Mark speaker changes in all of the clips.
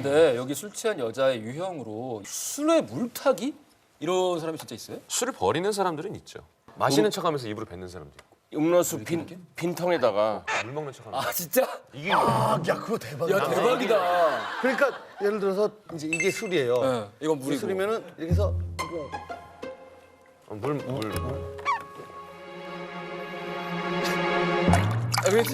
Speaker 1: 근데 여기 술 취한 여자의 유형으로 술에 물타기? 이런 사람이 진짜 있어요?
Speaker 2: 술을 버리는 사람들은 있죠. 마시는 척하면서 입으로 뱉는 사람도 있고.
Speaker 3: 음료수 빈 통에다가
Speaker 2: 물 먹는 척하면서.
Speaker 1: 아 진짜?
Speaker 2: 이게
Speaker 4: 야 그거 대박이야.
Speaker 1: 야 대박이다.
Speaker 4: 그러니까 예를 들어서 이제 이게 술이에요.
Speaker 1: 네, 이건
Speaker 4: 이게
Speaker 1: 물이고.
Speaker 4: 술이면은 이렇게 해서
Speaker 2: 물.
Speaker 1: 아, 그렇지.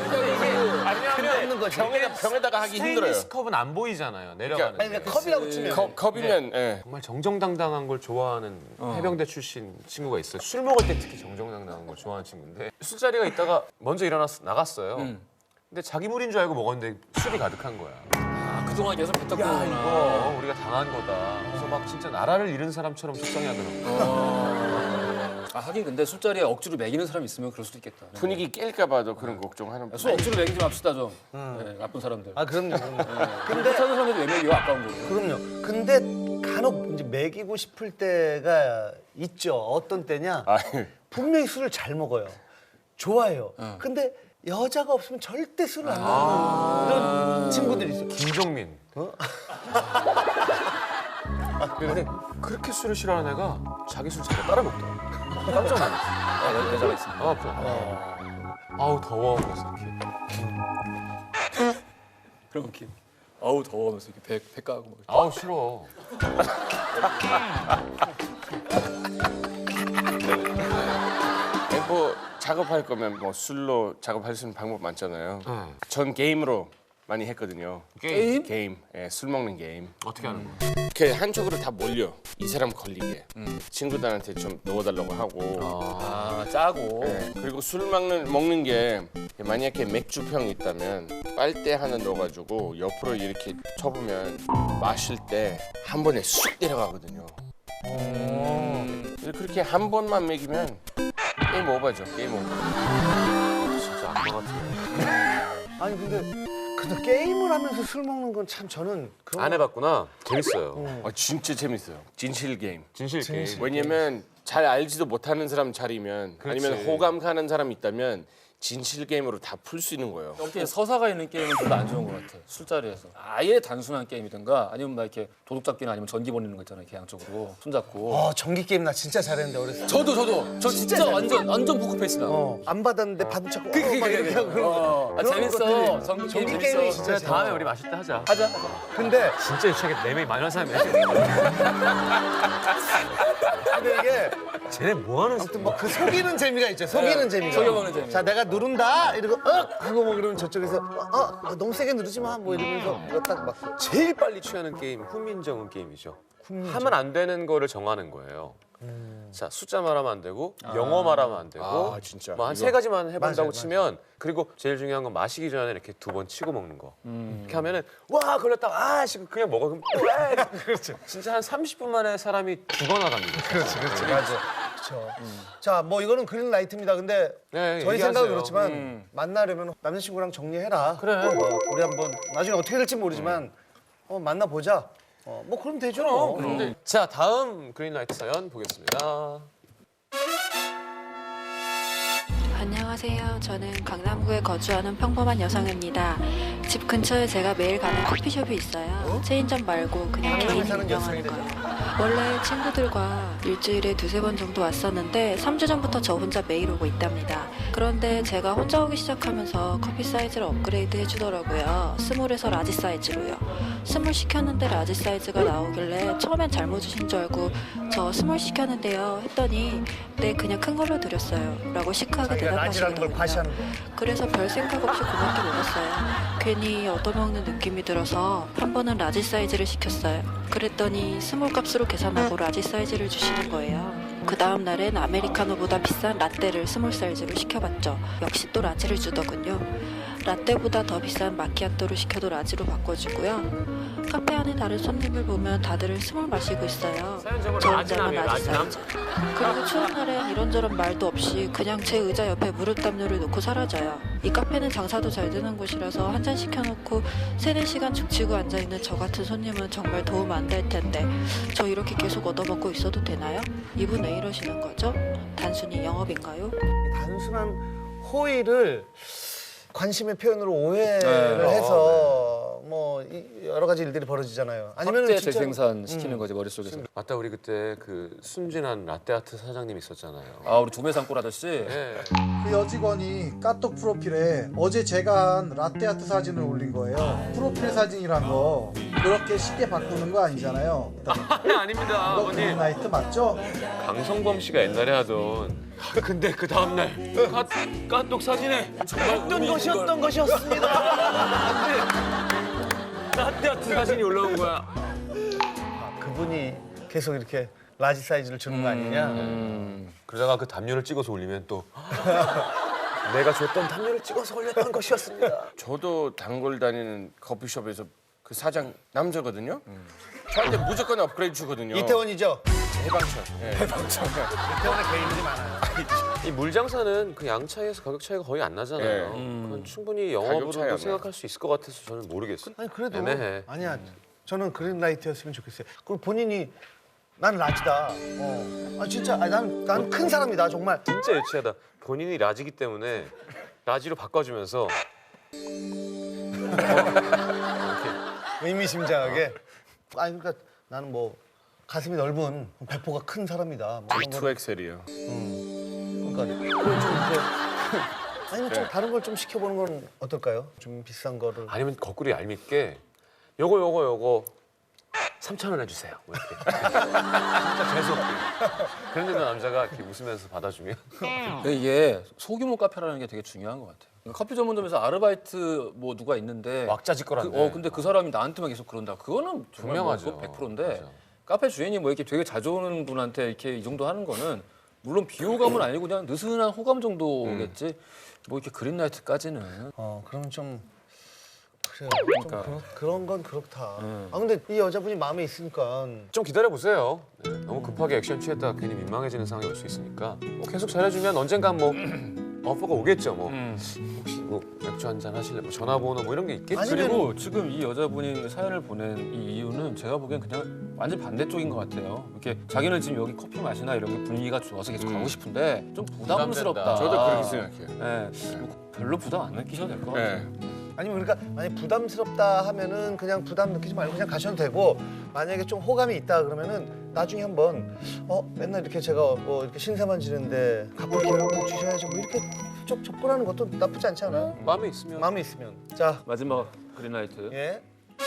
Speaker 3: 근데 병에다가 하기 힘들어요.
Speaker 2: 스테인리스 컵은 안 보이잖아요. 내려가는.
Speaker 4: 아니 그러니까 컵이라고 치면
Speaker 3: 컵이면 예.
Speaker 2: 정말 정정당당한 걸 좋아하는 해병대 출신 친구가 있어요. 술 먹을 때 특히 정정당당한 걸 좋아하는 친구인데 술자리가 있다가 먼저 일어나서 나갔어요. 근데 자기 물인 줄 알고 먹었는데 술이 가득한 거야.
Speaker 1: 아, 그동안 계속 뱉었구나.
Speaker 2: 이거 우리가 당한 거다. 그래서 막 진짜 나라를 잃은 사람처럼 속상해하더라고요.
Speaker 1: 아 하긴 근데 술자리에 억지로 먹이는 사람이 있으면 그럴 수도 있겠다.
Speaker 3: 분위기 깰까 봐도 그런 걱정하는 분.
Speaker 1: 술 억지로 먹이지 맙시다 좀. 네, 나쁜 사람들.
Speaker 4: 아 그럼요.
Speaker 1: 근데 사는 사람들이 왜 먹여? 아까운 거로.
Speaker 4: 그럼요. 근데 간혹 이제 먹이고 싶을 때가 있죠. 어떤 때냐?
Speaker 3: 아유.
Speaker 4: 분명히 술을 잘 먹어요. 좋아해요. 근데 여자가 없으면 절대 술을 안 먹는 이런 친구들이 있어요.
Speaker 2: 김종민. 근데 그렇게 술을 싫어하는 애가 자기 술 자기가 따라 먹더라. 깜짝 놀랐어.
Speaker 1: 아, 여자가 있습니다.
Speaker 2: 아우 더워. 그래서 이렇게.
Speaker 1: 그럼 이렇게 아우 더워하면서 이렇게 배 까고 막.
Speaker 2: 아우 싫어.
Speaker 3: 뭐 작업할 거면 뭐 술로 작업할 수 있는 방법 많잖아요. 전 게임으로 많이 했거든요.
Speaker 2: 게임?
Speaker 3: 게임. 예, 술 먹는 게임.
Speaker 2: 어떻게 하는 거야?
Speaker 3: 이렇게 한쪽으로 다 몰려. 이 사람 걸리게. 친구들한테 좀 넣어달라고 하고.
Speaker 1: 아 짜고.
Speaker 3: 예, 그리고 술 먹는 게 만약에 맥주병이 있다면 빨대 하나 넣어가지고 옆으로 이렇게 쳐보면 마실 때 한 번에 쑥 내려가거든요. 그렇게 한 번만 먹이면 게임 오버죠. 게임 오버.
Speaker 2: 진짜 악마 같은.
Speaker 4: 아니 근데 게임을 하면서 술 먹는 건 참 저는 그런
Speaker 2: 안 해봤구나. 재밌어요.
Speaker 3: 진짜 재밌어요. 진실 게임.
Speaker 2: 진실 게임.
Speaker 3: 왜냐면 잘 알지도 못하는 사람 자리면
Speaker 2: 그렇지.
Speaker 3: 아니면 호감 가는 사람 있다면 진실 게임으로 다 풀 수 있는 거예요.
Speaker 1: 이렇게 서사가 있는 게임은 별로 안 좋은 것 같아. 술자리에서. 아예 단순한 게임이든가 아니면 막 이렇게 도둑잡기나 아니면 전기 벌리는 거 있잖아요. 이렇게 양쪽으로 손잡고.
Speaker 4: 전기 게임 나 진짜 잘했는데 어렸을 때.
Speaker 1: 저도. 저 진짜 완전 포크페이스 나.
Speaker 4: 안 받았는데 받은 척
Speaker 1: 그게
Speaker 4: 막 이렇게 하고 그런 거.
Speaker 1: 아,
Speaker 4: 그런
Speaker 1: 재밌어.
Speaker 4: 것들이.
Speaker 1: 전기
Speaker 4: 전기
Speaker 1: 게임
Speaker 4: 게임이
Speaker 1: 재밌어.
Speaker 4: 진짜
Speaker 2: 다음에 우리 마실 때 하자.
Speaker 1: 하자.
Speaker 4: 근데
Speaker 2: 진짜 유치하게 4명이 많이 한 사람이야.
Speaker 4: 근데 이게
Speaker 2: 쟤네 뭐 하는
Speaker 4: 아무튼 뭐 그 속이는 재미가 있죠. 속이는 재미가.
Speaker 1: 속여보는 재미.
Speaker 4: 자 내가 누른다 이러고 하고 뭐 그러면 저쪽에서 너무 세게 누르지 마 뭐 이러면서 딱 막.
Speaker 2: 제일 빨리 취하는 게임 훈민정음 게임이죠. 하면 안 되는 거를 정하는 거예요. 자 숫자 말하면 안 되고 영어 말하면 안 되고
Speaker 3: 아, 진짜.
Speaker 2: 뭐 한
Speaker 3: 이거.
Speaker 2: 3가지만 해본다고
Speaker 4: 맞아요,
Speaker 2: 치면 그리고 제일 중요한 건 마시기 전에 이렇게 2번 치고 먹는 거. 이렇게 하면은 와 걸렸다 아씨 그냥 먹어 그럼 그렇죠. 진짜 한 30분 만에 사람이 죽어나갑니다.
Speaker 4: 그렇지. 맞아. 그렇죠. 자, 뭐 이거는 그린라이트입니다. 근데
Speaker 2: 네,
Speaker 4: 저희
Speaker 2: 얘기하세요.
Speaker 4: 생각은 그렇지만 만나려면 남자친구랑 정리해라.
Speaker 2: 그래.
Speaker 4: 우리 한번 나중에 어떻게 될지 모르지만 만나 보자. 뭐 그럼 되죠. 뭐.
Speaker 2: 자 다음 그린라이트 사연 보겠습니다.
Speaker 5: 안녕하세요. 저는 강남구에 거주하는 평범한 여성입니다. 집 근처에 제가 매일 가는 커피숍이 있어요. 체인점 말고 그냥
Speaker 4: 강남에
Speaker 5: 개인이
Speaker 4: 사는
Speaker 5: 운영하는
Speaker 4: 여성이래요.
Speaker 5: 거예요. 원래 친구들과 일주일에 2-3번 정도 왔었는데 3주 전부터 저 혼자 매일 오고 있답니다. 그런데 제가 혼자 오기 시작하면서 커피 사이즈를 업그레이드 해주더라고요. 스몰에서 라지 사이즈로요. 스몰 시켰는데 라지 사이즈가 나오길래 처음엔 잘못 주신 줄 알고 저 스몰 시켰는데요 했더니 네 그냥 큰 걸로 드렸어요 라고 시크하게
Speaker 4: 자기가 라지라는 걸
Speaker 5: 대답하시더라고요.
Speaker 4: 과시하는 거야.
Speaker 5: 그래서 별 생각 없이 고맙게 먹었어요. 괜히 얻어먹는 느낌이 들어서 한 번은 라지 사이즈를 시켰어요. 그랬더니 스몰 값으로 계산하고 라지 사이즈를 주시는 거예요. 그 다음 날엔 아메리카노보다 비싼 라떼를 스몰 사이즈로 시켜봤죠. 역시 또 라지를 주더군요. 라떼보다 더 비싼 마키아토를 시켜도 라지로 바꿔주고요. 카페 안에 다른 손님을 보면 다들 스몰 마시고 있어요.
Speaker 2: 사연적으로
Speaker 5: 저
Speaker 2: 라지남이에요,
Speaker 5: 혼자만 라지
Speaker 2: 라지남.
Speaker 5: 사이즈. 그리고 추운 날엔 이런저런 말도 없이 그냥 제 의자 옆에 무릎 담요를 놓고 사라져요. 이 카페는 장사도 잘 되는 곳이라서 한 잔 시켜놓고 3-4시간 죽치고 앉아있는 저 같은 손님은 정말 도움 안 될 텐데 저 이렇게 계속 얻어먹고 있어도 되나요? 이분 왜 이러시는 거죠? 단순히 영업인가요?
Speaker 4: 단순한 호의를 관심의 표현으로 오해를 해서 뭐 여러 가지 일들이 벌어지잖아요. 아니면
Speaker 1: 확대 재생산 시키는 거지 머릿속에서.
Speaker 2: 맞다, 우리 그때 그 순진한 라떼아트 사장님 있었잖아요.
Speaker 1: 아 우리 두메상골 아저씨.
Speaker 2: 네.
Speaker 6: 그 여직원이 카톡 프로필에 어제 제가 한 라떼아트 사진을 올린 거예요. 프로필 사진이란 거 그렇게 쉽게 바꾸는 거 아니잖아요.
Speaker 2: 아닙니다,
Speaker 6: 이거 그린라이트 맞죠?
Speaker 2: 강성범 씨가 옛날에 하던. 근데 그 다음날 까똑 사진에
Speaker 4: 어떤 것이었던 것이었습니다.
Speaker 2: 라떼아트 사진이 올라온 거야.
Speaker 4: 그분이 계속 이렇게 라지 사이즈를 주는 거 아니냐?
Speaker 2: 그러다가 그 담요를 찍어서 올리면 또 내가 줬던 담요를 찍어서 올렸던 것이었습니다.
Speaker 3: 저도 단골 다니는 커피숍에서 그 사장 남자거든요. 저한테 무조건 업그레이드 주거든요.
Speaker 4: 이태원이죠?
Speaker 3: 해방촌. 예.
Speaker 4: 이태원에 개인들이 많아요.
Speaker 2: 이 물장사는 그 양 차이에서 가격 차이가 거의 안 나잖아요.
Speaker 3: 네.
Speaker 2: 그건 충분히
Speaker 3: 가격 차이 안
Speaker 2: 영업으로도
Speaker 3: 나요.
Speaker 2: 생각할 수 있을 것 같아서 저는 모르겠어요.
Speaker 4: 아니 그래도
Speaker 2: 애매해.
Speaker 4: 아니야. 저는 그린라이트였으면 좋겠어요. 그리고 본인이 난 라지다. 아 진짜 난 큰 사람이다 정말.
Speaker 2: 진짜 유치하다. 본인이 라지기 때문에 라지로 바꿔주면서
Speaker 4: 의미심장하게. 아니 그러니까 나는 뭐 가슴이 넓은 배포가 큰 사람이다. 뭐 이런 거.
Speaker 3: 2XL이에요.
Speaker 4: 그러니까 그걸 좀 이렇게 아니면 좀 다른 걸 좀 시켜보는 건 어떨까요? 좀 비싼 거를.
Speaker 2: 아니면 거꾸로 얄밉게 요거 3,000원 해주세요. 뭐 이렇게. 진짜 재수없게. 그런데도 남자가 이렇게 웃으면서 받아주면
Speaker 1: 근데 이게 소규모 카페라는 게 되게 중요한 것 같아요. 커피 전문점에서 아르바이트 뭐 누가 있는데
Speaker 2: 왁자지껄한데.
Speaker 1: 근데 그 사람이 나한테만 계속 그런다. 그거는 정말
Speaker 2: 분명하죠.
Speaker 1: 100%인데
Speaker 2: 맞아.
Speaker 1: 카페 주인이 뭐 이렇게 되게 자주 오는 분한테 이렇게 이 정도 하는 거는 물론 비호감은 아니고 그냥 느슨한 호감 정도겠지. 뭐 이렇게 그린라이트까지는.
Speaker 4: 그러면 좀 그래요.
Speaker 1: 그러니까.
Speaker 4: 좀 그런 건 그렇다. 아 근데 이 여자분이 마음에 있으니까
Speaker 2: 좀 기다려보세요. 네, 너무 급하게 액션 취했다가 괜히 민망해지는 상황이 올 수 있으니까 뭐 계속 잘해주면 언젠간 뭐 어퍼가 오겠죠. 뭐 혹시 뭐 맥주 한잔 하실래? 뭐 전화번호 뭐 이런 게 있겠죠.
Speaker 4: 아니,
Speaker 1: 그리고 지금 이 여자분이 사연을 보낸 이 이유는 제가 보기엔 그냥 완전 반대쪽인 것 같아요. 이렇게 자기는 지금 여기 커피 마시나 이런 게 분위기가 좋아서 계속 가고 싶은데 좀 부담스럽다.
Speaker 3: 저도 그렇게 생각해요.
Speaker 1: 네. 뭐 별로 부담 안 느끼셔도 될 것 같아요.
Speaker 3: 네.
Speaker 4: 아니면 그러니까 만약 부담스럽다 하면은 그냥 부담 느끼지 말고 그냥 가셔도 되고 만약에 좀 호감이 있다 그러면은 나중에 한번 맨날 이렇게 제가 뭐 이렇게 신세만 지는데 가끔 기회를 한번 주셔야지 뭐 이렇게 쭉 접근하는 것도 나쁘지 않지 않아요?
Speaker 2: 마음에 있으면
Speaker 4: 마음이 있으면 자
Speaker 1: 마지막 그린라이트.
Speaker 4: 예.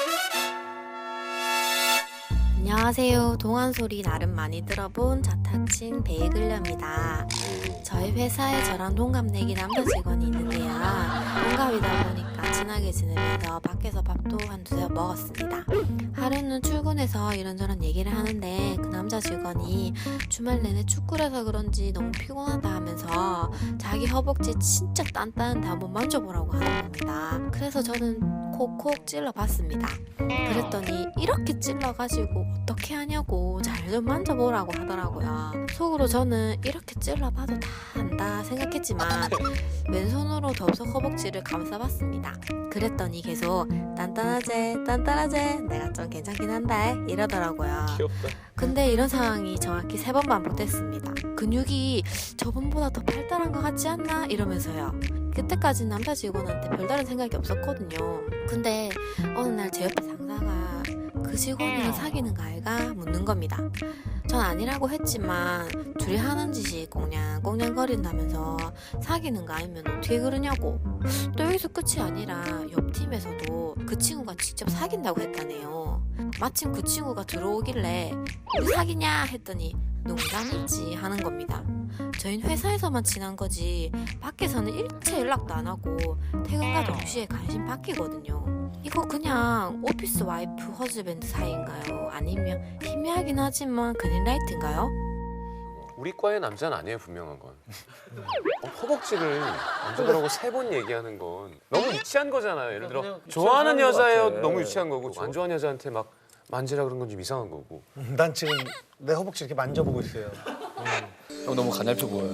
Speaker 7: 안녕하세요. 동안소리 나름 많이 들어본 자타친 베이글녀입니다. 저희 회사에 저랑 동갑내기 남자 직원이 있는데요. 동갑이다 보니까 친하게 지내면서 밖에서 밥도 한두 번 먹었습니다. 하루는 출근해서 이런저런 얘기를 하는데 그 남자 직원이 주말 내내 축구를 해서 그런지 너무 피곤하다 하면서 자기 허벅지 진짜 단단한데 한번 만져보라고 하는 겁니다. 그래서 저는 콕콕 찔러봤습니다. 그랬더니 이렇게 찔러가지고 어떻게 하냐고 잘 좀 만져보라고 하더라고요. 속으로 저는 이렇게 찔러봐도 다 한다 생각했지만 왼손으로 덥석 허벅지를 감싸봤습니다. 그랬더니 계속 단단하제 내가 좀 괜찮긴 한다 이러더라고요.
Speaker 2: 귀엽다.
Speaker 7: 근데 이런 상황이 정확히 3번 반복됐습니다. 근육이 저번보다 더 발달한 것 같지 않나 이러면서요. 그때까지는 남자 직원한테 별다른 생각이 없었거든요. 근데 어느 날 제 옆에 상사가 그 직원이랑 사귀는 거 알가? 묻는 겁니다. 전 아니라고 했지만 둘이 하는 짓이 꽁냥꽁냥거린다면서 사귀는 거 아니면 어떻게 그러냐고. 또 여기서 끝이 아니라 옆 팀에서도 그 친구가 직접 사귄다고 했다네요. 마침 그 친구가 들어오길래 우리 사귀냐 했더니 농담이지 하는 겁니다. 저희는 회사에서만 친한 거지 밖에서는 일체 연락도 안 하고 퇴근과 동시에 관심 바뀌거든요. 이거 그냥 오피스 와이프 허즈밴드 사이인가요? 아니면 희미하긴 하지만 그린라이트인가요?
Speaker 2: 우리 과의 남자는 아니에요, 분명한 건. 허벅지를 만져보라고 3번 얘기하는 건 너무 유치한 거잖아요. 예를 들어
Speaker 1: 그냥
Speaker 2: 좋아하는
Speaker 1: 유치한 사람인
Speaker 2: 여자예요,
Speaker 1: 것 같아.
Speaker 2: 너무 유치한 거고 안 좋아하는 여자한테 막 만지라 그런 건 좀 이상한 거고.
Speaker 4: 난 지금 내 허벅지 이렇게 만져보고 있어요.
Speaker 1: 형 너무 가냘표 보여요.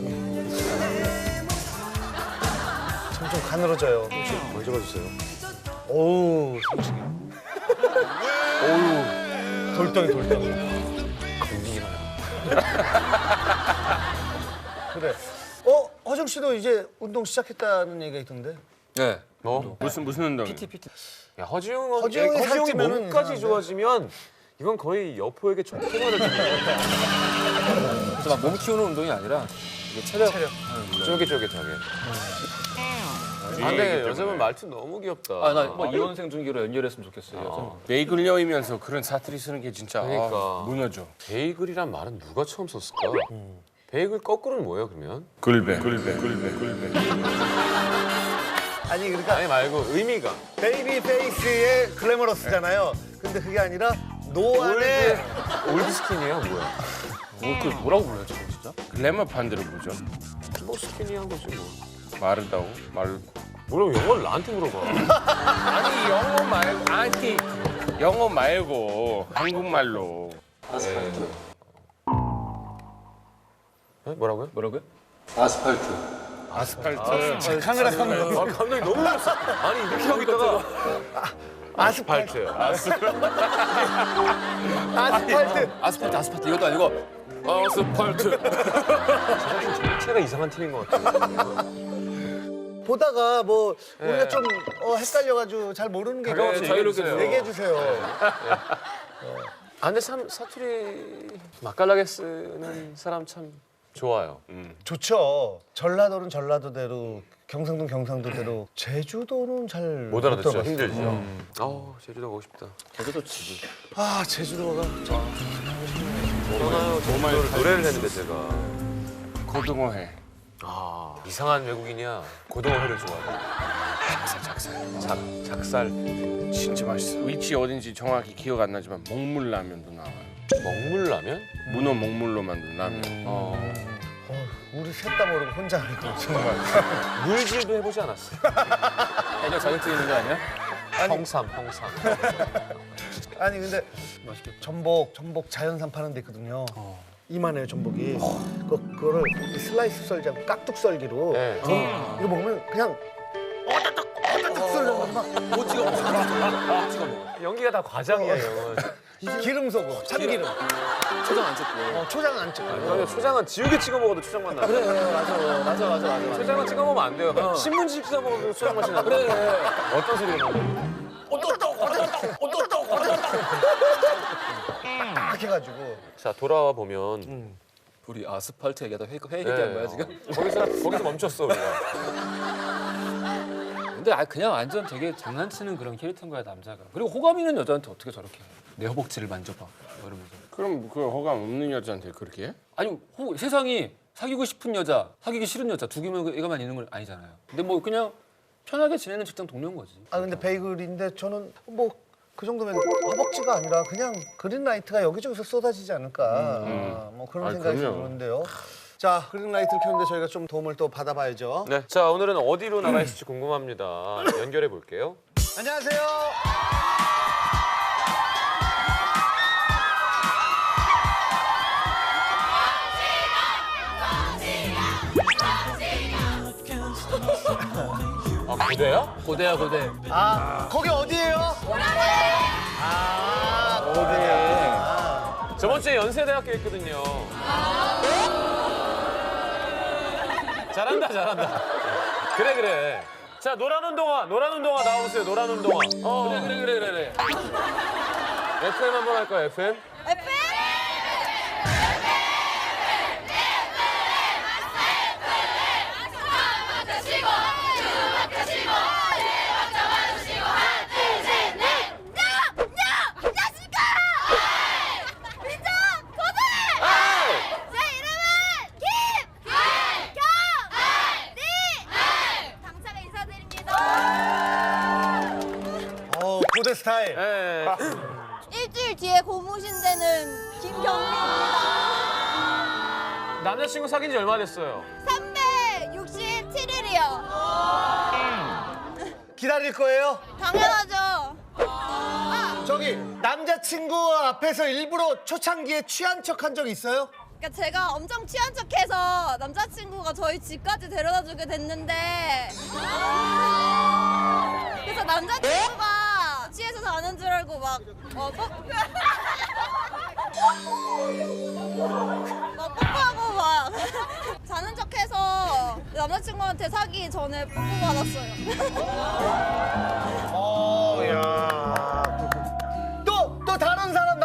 Speaker 4: 좀 가늘어져요.
Speaker 2: 만져봐주세요.
Speaker 4: 오우 솔직히. 오우 돌덩이.
Speaker 2: 건기기만
Speaker 4: 그래. 허정 씨도 이제 운동 시작했다는 얘기가 있던데.
Speaker 1: 네.
Speaker 2: 뭐?
Speaker 3: 무슨 운동?
Speaker 1: PT.
Speaker 2: 야, 허지웅은
Speaker 4: 허지웅이
Speaker 2: 허지웅이
Speaker 4: 살찌면은
Speaker 2: 몸까지
Speaker 4: 이상한데?
Speaker 2: 좋아지면 이건 거의 여포에게 족해가 되는
Speaker 1: 그래서 막 몸 키우는 운동이 아니라 이게 체력.
Speaker 2: 쫄깃쫄깃하게. 아, 근데 여자분 말투 너무 귀엽다.
Speaker 1: 아나뭐 이혼생 중기로 연결했으면 좋겠어요. 여자는.
Speaker 3: 베이글녀이면서 그런 사투리 쓰는 게 진짜
Speaker 2: 그러니까.
Speaker 3: 무너져.
Speaker 2: 베이글이란 말은 누가 처음 썼을까? 베이글 거꾸로는 뭐예요, 그러면?
Speaker 3: 글베.
Speaker 4: 아니 그러니까
Speaker 2: 아니 말고 의미가.
Speaker 4: 베이비 페이스의 글래머러스잖아요. 근데 그게 아니라 노안의
Speaker 2: 올드 스킨이에요, 뭐야?
Speaker 1: 그 뭐라고 불러요, 저거 진짜?
Speaker 3: 글래머 판대로 보죠.
Speaker 2: 뭐 스킨이한 거지 뭐.
Speaker 3: 마르다고 말고.
Speaker 2: 뭐라고 영어를 나한테 물어봐.
Speaker 3: 아니 영어 말고 한국말로.
Speaker 2: 네? 뭐라고요?
Speaker 1: 뭐라고요?
Speaker 3: 아스팔트.
Speaker 4: 카메라 감독.
Speaker 2: 아, 감독이 너무 놀랐어. 아니 이렇게 하고 있다가
Speaker 4: 아스팔트.
Speaker 1: 아스팔트 이것도 아니고 아스팔트.
Speaker 2: 자체가 이상한 팀인 것 같아.
Speaker 4: 보다가 뭐 우리가 좀 헷갈려가지고 잘 모르는 게 있어요.
Speaker 1: 자유롭게
Speaker 4: 얘기해 주세요.
Speaker 2: 아 근데 참 사투리 맛깔나게 쓰는 사람 참 좋아요.
Speaker 4: 좋죠. 전라도는 전라도대로, 경상도는 경상도대로, 제주도는 잘
Speaker 2: 못 알아듣죠.
Speaker 4: 들어봤어요.
Speaker 2: 힘들죠. 제주도 가고 싶다.
Speaker 1: 저도 지금.
Speaker 4: 아 제주도가
Speaker 2: 떠나요. 제주도를 노래를 했는데 제가.
Speaker 3: 고등어회.
Speaker 2: 이상한 외국인이야. 고등어회를 좋아해. 작살.
Speaker 3: 진짜 맛있어. 위치 어딘지 정확히 기억 안 나지만 먹물라면도 나와요.
Speaker 2: 먹물라면?
Speaker 3: 문어 먹물로 만든 라면.
Speaker 4: 우리 셋 다 모르고 혼자 하는 거 정말.
Speaker 2: 물질도 해보지 않았어.
Speaker 1: 해적 자격증 있는 거 아니야?
Speaker 2: 형삼.
Speaker 4: 아니 근데 전복 자연산 파는 데 있거든요. 이만해요 전복이. 그거를 슬라이스 썰자고 깍둑 썰기로.
Speaker 2: 네.
Speaker 4: 이거 먹으면 그냥 어다닥 썰려서 막
Speaker 1: 못 찍어 먹어.
Speaker 2: 연기가 다 과장이야, 형은.
Speaker 4: 기름 소금, 참기름.
Speaker 1: 초장 안 찍고.
Speaker 4: 초장 안 찍고.
Speaker 2: 그러면 초장은 지우개 찍어 먹어도 초장맛 나.
Speaker 1: 그래 맞아.
Speaker 2: 초장은 찍어 먹으면 안 돼요. 신문지 찍어 먹어도 초장 맛이 나.
Speaker 1: 그래.
Speaker 2: 어떤 소리를 먹어?
Speaker 4: 딱 해가지고.
Speaker 2: 자 돌아와 보면
Speaker 1: 우리 아스팔트 얘기하다 회 얘기한 거야 지금?
Speaker 2: 거기서 멈췄어 우리가.
Speaker 1: 근데 그냥 완전 되게 장난치는 그런 캐릭터인 거야 남자가. 그리고 호감 있는 여자한테 어떻게 저렇게 해? 내 허벅지를 만져봐 뭐 이러면서.
Speaker 3: 그럼 그 호감 없는 여자한테 그렇게 해?
Speaker 1: 아니 세상이 사귀고 싶은 여자, 사귀기 싫은 여자 두 개만 있는 건 아니잖아요. 근데 뭐 그냥 편하게 지내는 직장 동료인 거지.
Speaker 4: 아 근데 베이글인데 저는 뭐 그 정도면 허벅지가 아니라 그냥 그린라이트가 여기저기서 쏟아지지 않을까. 뭐 그런 생각이
Speaker 3: 그럼요.
Speaker 4: 드는데요. 자 그린라이트를 켰는데 저희가 좀 도움을 또 받아봐야죠.
Speaker 2: 네. 자 오늘은 어디로 나가 있을지 궁금합니다. 연결해 볼게요.
Speaker 4: 안녕하세요.
Speaker 2: 아 고대야?
Speaker 1: 고대야 고대.
Speaker 4: 아 거기 어디예요? 아 고대.
Speaker 2: 저번 주에 연세대학교 있거든요. 잘한다. 그래. 자 노란 운동화 나오세요. 노란 운동화.
Speaker 1: 그래.
Speaker 2: FM 한번 할까요? FM?
Speaker 4: 고대 스타일.
Speaker 2: 네.
Speaker 8: 일주일 뒤에 고무신대는 김경민입니다.
Speaker 2: 남자친구 사귄 지 얼마 됐어요?
Speaker 8: 367일이요.
Speaker 4: 기다릴 거예요?
Speaker 8: 당연하죠.
Speaker 4: 저기 남자친구 앞에서 일부러 초창기에 취한 척 한 적 있어요?
Speaker 8: 그러니까 제가 엄청 취한 척해서 남자친구가 저희 집까지 데려다주게 됐는데 그래서 남자친구가 취해서 자는 줄 알고 막 뽀뽀하고 막 자는 척해서 남자친구한테 사기 전에 뽀뽀 받았어요.
Speaker 4: 또 다른 사람